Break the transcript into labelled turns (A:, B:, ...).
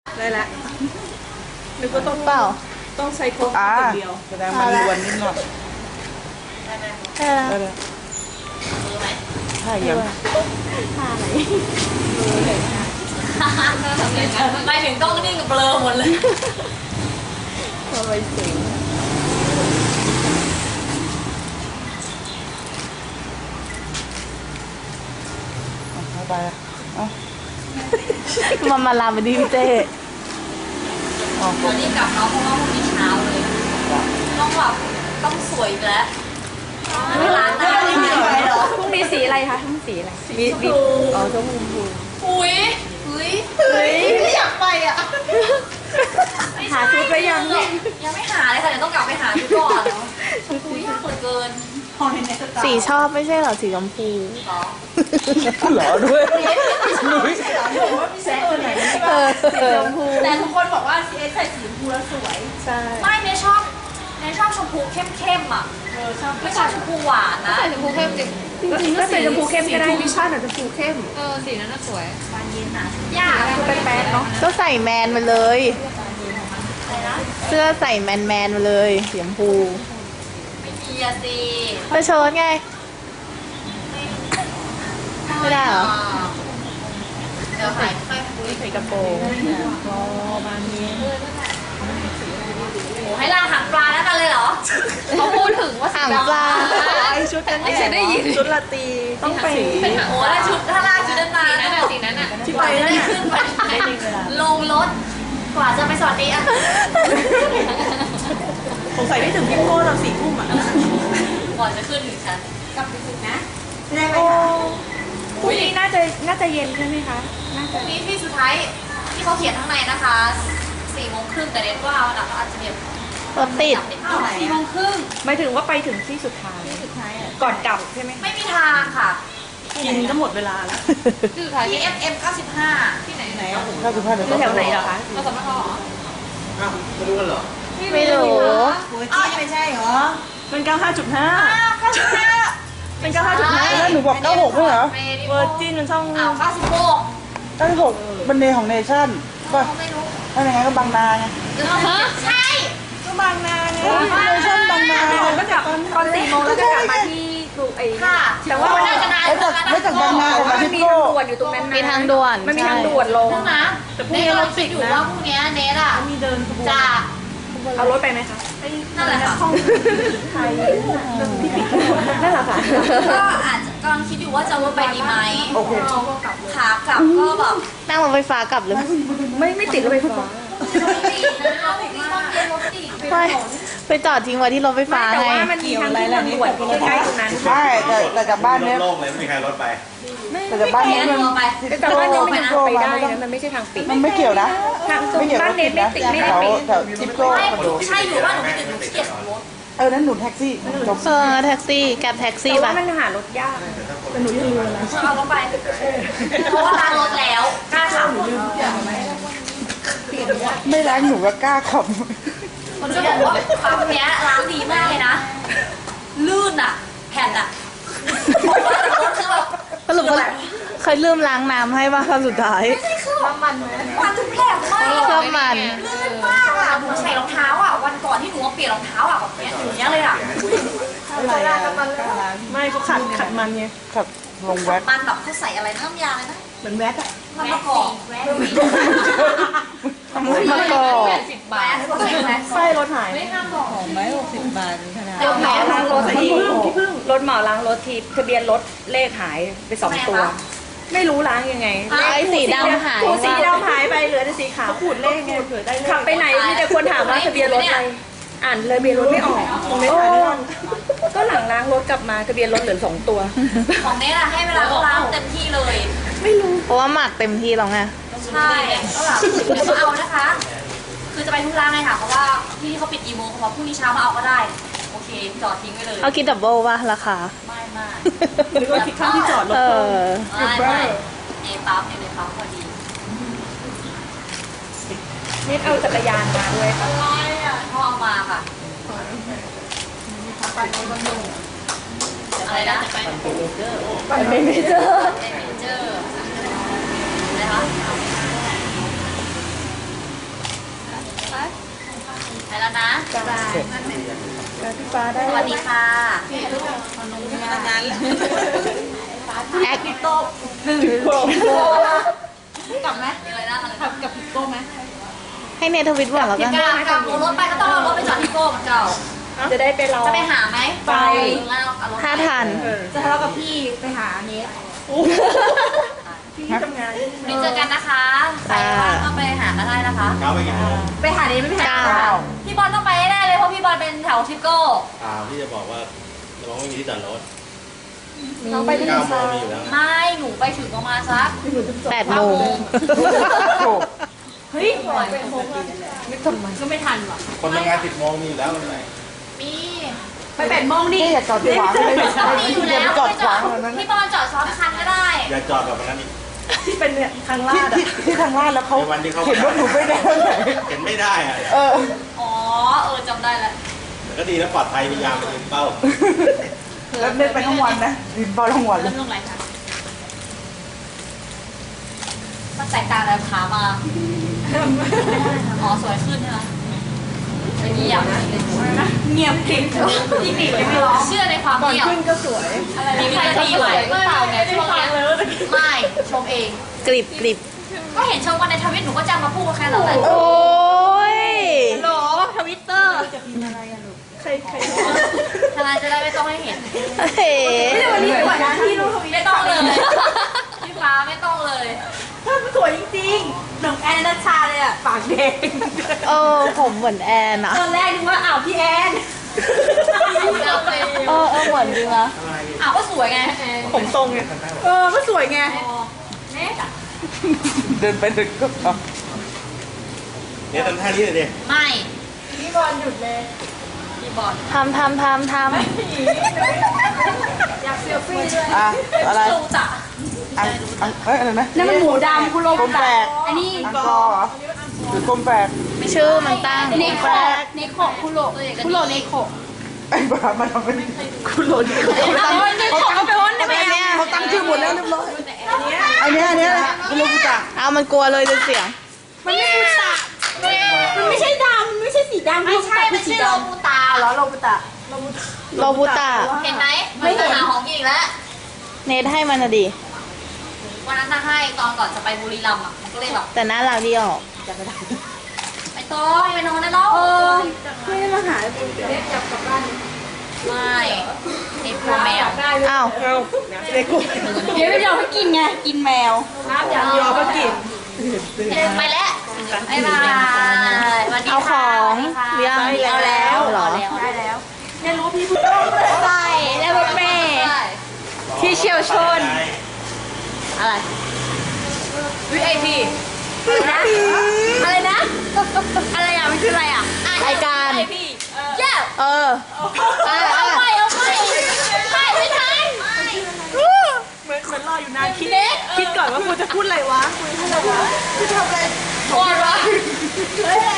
A: ได้แล้วนึกว่าต้อง
B: เปล่า
A: ต้องใช้โค้กอย่างเดียว
C: แสดงมันล้วนนิดหน่อย
B: ได้แล้ว
C: ได้เลยใช่ยัง
B: ท่าไหน
D: ไปถึงต้องนิ่งกับเบลอหมดเลย
B: ทำไมเสียง
C: เอาไปเอา
B: มาลามไปดิพี่เต้
C: เอา
D: เดี๋ยวรีบกลับเนาะเพราะว่าพรุ่งนี้เช้าเลย ต้องแบบต้องสวยอีกแล้วไม่ร้านหน้าไม่มีอะไรหรอ
B: พรุ่งนี้สีอะไรคะพรุ่งสีอะไรมีอ๋อชมพู
D: อุ้ยไม่อยากไปอ่ะ
B: หาชุดไปยัง
D: ยังไม่หาเลยค่ะเดี๋ยวต้องกลับไปหาชุดก่อนอุ้ยยากเหลือเกิน
B: สีชอบไม่ใช่เหรอสีชมพู
D: ต่อ
C: เหรอด้วยนุ้ย
B: สีชมพู
D: แต่ทุกคนบอกว่า CS ใส่สีชมพูแล้วสวย
B: ใช่
D: ไม่เนยชอบชมพูเข้มๆอ่ะไม่ชอบชมพูหวานนะ
E: ใส่ชมพูเข้มจริง
B: จริงๆก็สีชมพูเข้มก็ได้
A: วิชั่นอาจจะชมพูเข้ม
E: สีนั้นน่าสวย
D: บานเย็นอ่ะ
E: ยาก
B: คือแป๊ดๆเนาะก็ใส่แมนมาเลย
D: อะไรนะ
B: เสื้อใส่แมนมาเลยสีชมพู
D: ไม่มีอะสิ
B: ก็เชิ้ตไง ไม่ได้เหรอ
D: เดี๋ยวหายค่อยคุย
B: ใส่กระโปรง
D: โอ้ให้ล่างหางปลาแล้วกันเลยเหรอ
E: เขาพูดถึงว่า
B: หางปลา
A: ไอชุดนั้น
E: ไม่ใช่ได้ยิน
A: ชุดลาตรีต้องไป
D: โอ้แล้วชุดถ้าล่างชุดนั้นมา
E: สีนั้นน่ะ
A: ที่ไป
D: จะ
A: นั่น
D: ได้
A: น่ะ
D: ขึ้นไปลงรถ กว่าจะไปสวัสดีอ่ะ
A: สงสัยได้ถึงพิโก้ตอน4 ทุ่มอ่ะ
D: ก่อนจะขึ้นถึงชั้นกลับไปถึงนะ
B: โอ้พรุ่งนี้น่าจะเย็นใช่ไหมคะน่า
D: พ
B: จะ
D: รุ่งนี้ที่สุดท้ายที่เขาเขียนข้างในนะคะ4:30แต่เน็ตว่าวันหลังเขาอาจจะแบบ
B: รถติด
A: หมายถึงว่าไปถึงที่สุดท้ายก่อนกลับใช่ไหม
D: ไม่มีทางค่ะ
A: กินก็หมดเวลาแล้ว
E: ชื่อท้าย
D: ที่ FM 95
E: ที่ไหน
C: ถ้าคือผ้าเดี๋ยว
B: อยู่แถวไหนเหรอคะ
E: เราสำนักเขาเหรอ
B: ไม่รู้
D: อ้าวไม่ใช่เหรอ
A: เป็น 95.5
D: 95
A: เป็น 95.5
C: แล้วหนูบอก96ไม่เหรอ
A: เวอร์จินมันช่อง
D: อ้าว96
C: 96เป็นเนของเนชั่นป่ะ
D: ไม่รู้
C: ถ้าอย่างงั้นก็บางนาไง
D: ใช่
A: ก็บางนาไง
C: เนชั่นบางนา
A: ก็กลับตอน4 โมงแล้วก็กลับมาที่ดูไอ้
D: ค่ะ
A: แต่ว่า
D: มันน่าจะนาน
C: ไม่จากบางนาของ
A: มั
C: พิ
A: นมี
C: โก้
A: ทางด่วนอยู่ตรงนั้นนะ
B: มีทางด่วน
A: มันมีทางด่วนลง
D: นึงนะ
A: แต่พรุ่งนี้รถติด
D: อยู่
A: นะ
D: ว่าพรุ่งนี้เนทอ่ะ
A: มีเดินขบวน
D: จะ
A: เอารถไปไหมคะ
D: นั่นแหละค่ะ
A: ห้องไทยที่ปิดถนนนั่นแหละค่ะ
D: ก็อาจจะกำลังคิดอยู่ว่าจะเอารถไปดีไหม
C: โอเค
D: ขากลับก็แบบ
B: นั่งรถไฟฟ้ากลับเลย
A: ไม่ติดรถไฟฟ้า
B: ไม่ไปจอดทิ้งไว้ที่รถไฟฟ้า
A: แต่
B: ไง
A: ว่ามันมีทางขึ้นทางด่วนใกล้ๆตรงนั้น
C: ใช่แต่จากบ้านเนี้ย
F: โล่งๆเลยไม่มีใครรถไป
C: แต่จากบ้านเนี้ยมัน
A: แต่บ้านยังไม่ยังไปได้นะมันไม่ใช่ทางปิด
C: มันไม่เกี่ยวนะ
A: ทางตรงบ้านเน็ตไม่ติดไม่ได้
C: แถว
A: ปิด
C: แถวทิปโก้
D: ไม่
C: คอนโด
D: ใช่อยู่ว่าหนูไม่ติดหนูเกลียดรถ
C: นั้นหนุนแท็กซี่จบ
B: เออแท็กซี่แกร็บแท็กซี่
A: แต่ว่า
B: ป่ะ
A: มันหารถยากแต่หนูยังลืมอะไร
D: เอารถไป เพราะว่าล้างรถแล้วกล้าขับ
C: ไม่ล้างหนูก็กล้าขับ
D: มันจะบอกว่าปั๊มเนี้ยล้างดีมากเลยนะ ลื่นอ่ะ แผ่นอ่ะรถคือแบบ
B: สรุปว่าเคยลืมล้างน้ำให้ป่ะครั้งสุดท้าย
D: ไม่ใช่คือมันทุกแผลมมาก
B: เครื่องมัน
D: ลื่นมากอ่ะหนูใส่รองเท้าอ่ะวันก่อนที่หนูเปลี่ยนรองเท้าอ่ะแบบเนี้ยอย่างเงี้ยเลยอ่ะ
C: อะไรอะ
A: ไม่ก็ขัดมันไง
C: ขับลงแว็ก
D: มันแบบเขาใส่อะไรน้ำยาอะไรนะ
A: เหมือนแว็กอะ
D: มันมะกอกแวะ
B: มะกอก
D: แวะเขาใส่แวะ
A: ไส้รถหาย
D: ไม่ห้ามบอก
A: รถหมอล้างรถทีรถหมอล้างรถทีทะเบียนรถเลขหายไป2 ตัว ไม่รู้ล้างยังไง
B: ไอ้สีดำหาย
A: ถูสีดำหายไปเหลือแต่สีขาวขูดเลขไงขับไปไหนมีแต่คนถามว่าทะเบียนรถอะไรอ่านทะเบียนรถไม่ออกตรงนี้ถ่ายไม่ทันก็หลังล้างรถกลับมาทะเบียนรถเหลือ2 ตัว
D: ของเนทอะให้เวลาเขาล้างเต็มที่เลย
B: เพราะว่าหมักเต็มที่แล้วไง
D: ใช่ก็แบบเดี๋ยวมาเอานะคะ คือจะไปทุกร้านเลยค่ะ เพราะว่าที่เขาปิดกี่โมงเขาบอกพรุ่งนี้เช้ามาเอาก็ได้ โอเค จอดทิ้งไว้เลย
B: เอาคิดดับเบิลป่ะราคา
D: ไม่ไม่
A: หรือว่าคิดค่าที่จอดรถ
B: เอ
A: เพิ่ม
B: อ
D: ไม่ในปั๊มในปั๊มพอดี
A: นี่เอาจักรยานมาด้วยค่ะ
D: พ่อเอามาค่ะ อะไรนะ
A: ไปไม่เจอ
D: เป็นเมเจอร์อะไรคะ
A: พี่ฟ้าได้
D: สวัสดีค่ะ
B: แอคโตกลับไหม
D: มีอะไรน่าทำ
B: กับพิโก้ไหม
F: ให้เนทวิตหวังแล้วกัน
D: กลับรถไปก็ต้องเอารถไปจอดที่โก้เหมือนเก่า
A: จะได้ไปรอ
D: จะไปหาไหม
A: ไป
D: งั้นเอารถ
F: ถ้าทัน
B: จะทะเลาะกับพี่ไปหาเนท
A: พี่ทำงาน
D: นี่เจอกันนะคะ ใครว่างก็ไปหากันได้นะคะ
B: ไปหาเนทไม่ไปหา
F: เก้า
D: พี่บอลต้องไปแน่เลยเพราะพี่บอลเป็นแถวทิโก้
G: พี่จะบอกว่าน้องไม่มีที่จอดรถ
A: น้องไปที่
G: 9 โม
A: ซาง
G: มีอยู่แล้ว
D: ไม่ หนูไปถึงประมาณสัก
F: 8 โมง
C: โอ้
B: เฮ้ย
D: ก็ไม่ทันหรอก
G: คนทำงาน10 โมงมีอยู่แล้วไม่เป็นไร
D: มี
B: ไป8 โมงดิ
C: อย่าจอดขวางเลย
D: มีอยู่
C: อย่า
D: แล้
C: ไป
D: ว
C: จอดขวางแบบนั้น
D: พี่บอลจอดซ้อนคันก็ได้
G: อย่าจอดแบบนั้นอีก
A: ที่เป็นเนี่ยทางลาด
C: ที่ทางลาดแล้วเขา
G: ในวันที่เขา
C: เห็นว่าหนูไม่ได้ไหน
G: เห็นไม่ได้อะ
C: เออ
D: อ๋อ จำได้แล้ว
G: แต่ก็ดีแล้วปลอดภัยพยายามไปยืนเป้า
C: แล้วเล่นไปทั้งวันนะดินบอลทั้งวันเล
D: เริ่
C: ย
D: มลงอะไรคะมันแตกต่างจากขามา อ๋อ สวยขึ้นใช่ไหมไม่เงียบ
B: เงียบกริบพี่กริบไม่ร้อง
D: เชื่อในความ
A: ก่อน
D: เงียบ
A: ขึ้นก็สวย
D: มีใครจะสวยหรือเปล่าเนี่ยช่วงเนี้ยไม่ชมเอง
F: กริบกริบ
D: ก็เห็นชมกันในทวิตหนูก็จำมาพูดแค่นั้นแหละ
F: โอ้ย
B: โหลทวิตเตอร์
A: ใคร
D: ทนายจะได้ไม่ต้องให้เห็น
F: เฮ้
B: วันนี้สวยนะที่รูปทวิต
D: ไม่ต้องเลยพี่ฟ้าไม่ต้องเลย
B: สวยจริงๆหนุ่มแอนนัชชาเลยอ่ะปากแดง
F: ผมเหมือนแอนอะ
B: ตอนแรกนึกว่าอ้าวพี่แอน
D: เอาเลย
F: เหมือนจริงนะ
D: อ้าวก็สวยไง
A: ผมทรงไง
B: ก็สวยไง
D: เน็ตอะ
C: เดินไปเดินก็เอา
G: เนี่ยทำท่านี้เลยดิ
D: ไม่
A: พี่บอลหยุดเลย
D: พี่บอล
F: ทำ
A: อยากเซลฟี่ด้วย
C: อ่ะอะไร
D: ลูจ่ะ
C: เอ้ยอะไรนะ
B: นั่นมันหมูดำคุณโล
C: กลมแปลก
B: อันนี้
C: อังกอร์เหรอหรือกลมแปลก
F: ชื่อมันตั้ง
B: เนโคเนโคคุโรคุโรเนโค
C: ไอ้บ้ามันทำเป็น
A: คุณโหลด
B: เอาไปวนได้ไหม
F: เนี่ย
C: เขาตั้งชื่อหมดแล้วเรียบร้อยอันเนี้ยคุณลูกจ่า
F: เอามันกลัวเลยจนเสียง
B: มันไม่บูตะมันไม่ใช่ดำไม่ใใช่สีดำ
D: ไม่ใช่ไม่ใช่โลบูตา
B: เหรอโลบุตะ
F: โรบุตะ
D: เห็นไหมไม่เห็นหาของกินอีกแล้ว
F: เนทให้มันนะดิ
D: วันนั้นถ้าให้ตอนก่อนจะไปบุรีรัมย์อ่ะมันก็เลยแบบ
F: แต่น่ารักดีออก
D: ไม่ต้องไปนอนได้แล้ว
A: ไม่ได้มาหา
D: ไม่ไอ้พวกแมว
F: อ้าว
A: เอาเด็กกู
B: เดี๋ยวไม่ยอมให้กินไงกินแมว
A: ยอก็กิน
D: ไปแล้วบ๊ายบายสวัสดี
F: เอาข
D: ค่ะ
F: องเรียง
D: เอาแล้ว
F: เหรอ
B: ได้แล้ว
A: เนี่ยรู้พี่พูดต้องเลย
B: ใช่แล้วรถเมย์ที่เชี่ยวชน
F: อะไร
D: VIP
B: อะไรนะ อะไรอ่ะมันคืออะไรอ่ะ
F: รายการ
D: VIP เย้
F: เออ
D: เอาไปไม่ทัน
A: เหมือนรออยู่นานคิดก่อนว่ากูจะพูดอะไรวะ
D: ก่อนวะ